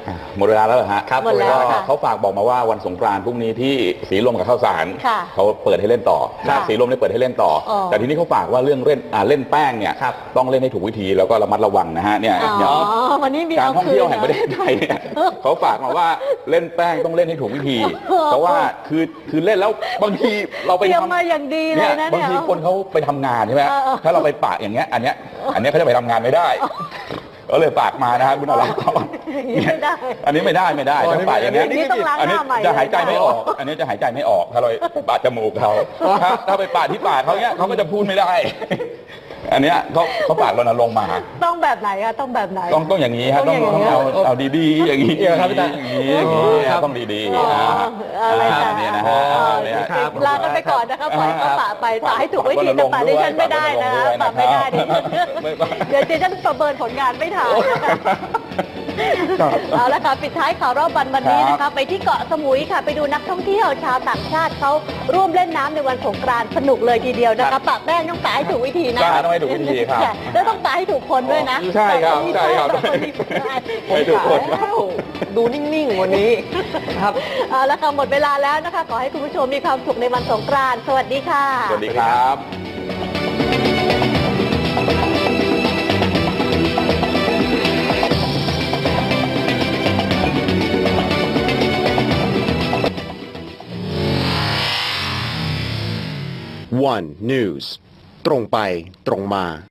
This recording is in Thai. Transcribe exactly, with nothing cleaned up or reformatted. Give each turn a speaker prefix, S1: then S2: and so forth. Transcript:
S1: หมดเวลาแล้วเหรอฮะ
S2: ครับ
S3: หมดแล้ว
S1: ก็
S3: ค่ะ
S1: เขาฝากบอกมาว่าวันสงกรานต์พรุ่งนี้ที่สีลมกับข้าวสาร
S3: ค่ะ
S1: เขาเปิดให้เล่นต่อ
S3: ค่ะ
S1: สีลมได้เปิดให้เล่นต่อ
S3: อ๋อ
S1: แต่ทีนี้เขาฝากว่าเรื่องเล่นอ่าเล่นแป้งเนี่ย
S2: ครับ
S1: ต้องเล่นให้ถูกวิธีแล้วก็ระมัดระวังนะฮะเนี่ย
S3: อ๋
S1: อย่าง
S3: อวันนี้มี
S1: การ
S3: เอา
S1: ท่อง
S3: คื
S1: เที่ย
S3: น
S1: วแห่งประเทศไทยเนี่ยเขาฝากมาว่าเล่นแป้งต้องเล่นให้ถูกวิธี เพราะว่าคือคือเล่นแล้วบางทีเรา
S3: เต
S1: ไป
S3: รียม
S1: ทำ
S3: มาอย่างดีเล
S1: เนี่ย
S3: ยนะ
S1: บาง
S3: เนี่ย
S1: ทีคนเขาไปทำงานใช่ไหม
S3: เออเออ
S1: ถ้าเราไปปะอย่างเงี้ยอันเนี้ยอันเนี้ยเขาจะไปทำงานไม่ได้ก็เลยฝากมานะฮะคุณอรพร
S3: ไม่ได้
S1: อันนี้ไม่ได้ไม่ได้
S2: อ๋อ
S1: ถ้าปะอย่างเงี้ย
S3: อันนี้ต้องล้าง
S1: อัน
S3: ห
S1: นี้
S3: น้าใหม่
S1: จะหายใจ
S3: เลย
S1: ไม่ออก อันนี้จะหายใจไม่ออกถ้าเราปาดจมูกเขาถ้าถ้าไปปาดที่ปากเขาเนี้ยเขาก็จะพูดไม่ได้ อันเนี้ยเขาเขาปากรณรงค์มา
S3: ต้องแบบไหนอะต้องแบบไหน
S1: ต้องต้องอย่างนี้ฮะ
S3: ต้
S1: ต้
S3: อ
S1: อง ง
S3: อย่างนี้
S1: ต้องเอาเอาดีๆอย่างนี้
S2: เดี๋ยวครับพี่ตา
S1: อย่างนี้อย่างนี้
S2: ครับ
S1: ต้องดี
S3: อ๋อ
S1: ๆอ่า
S3: อะไร
S1: อ่า
S3: นะ
S1: เนี่ยนะฮะ
S3: อ๋อ
S1: เนี่ย
S2: ครับ
S3: ลากันไปก่อนนะคะปล่อยเขาปะไปปะให้ถูกวิธีแต่ปะดิฉันไม่ได้นะคะปะไม่ได้ดิ
S1: ไม่
S3: เดี๋ยวดิฉันประเมินผลงานไม่ทันนะคะ
S1: ครับ
S3: เอาละค่ะปิดท้ายข่าวรอบวันวันนี้นะ
S1: ครั
S3: คะ
S1: บ
S3: ไปที่เกาะสมุยค่ะ ไปดูนักท่องเที่ยวชาวต่างชาติเขาร่วมเล่นน้ำในวันสงกรานต์สนุกเลยทีเดียวนะคะปะแป้งต้องปะให้ถูกวิธีนะ
S1: ใช่ต้องให้ถูกวิธีครับ
S3: ใช่แล้วต้องปะให้ถูกคนด้วยนะ
S1: ใช่ครับใช่ครับ
S3: ต้องมีคนที่
S1: ให้ถูกคนครับ
S2: แล้วดูนิ่งๆวันนี้ครับ
S3: เอาละค่ะหมดเวลาแล้วนะคะ ขอให้คุณผู้ชมมีความสุขในวันสงกรานต์สวัสดีค่ะ
S1: สวัสดีครับ
S4: วัน News ตรงไปตรงมา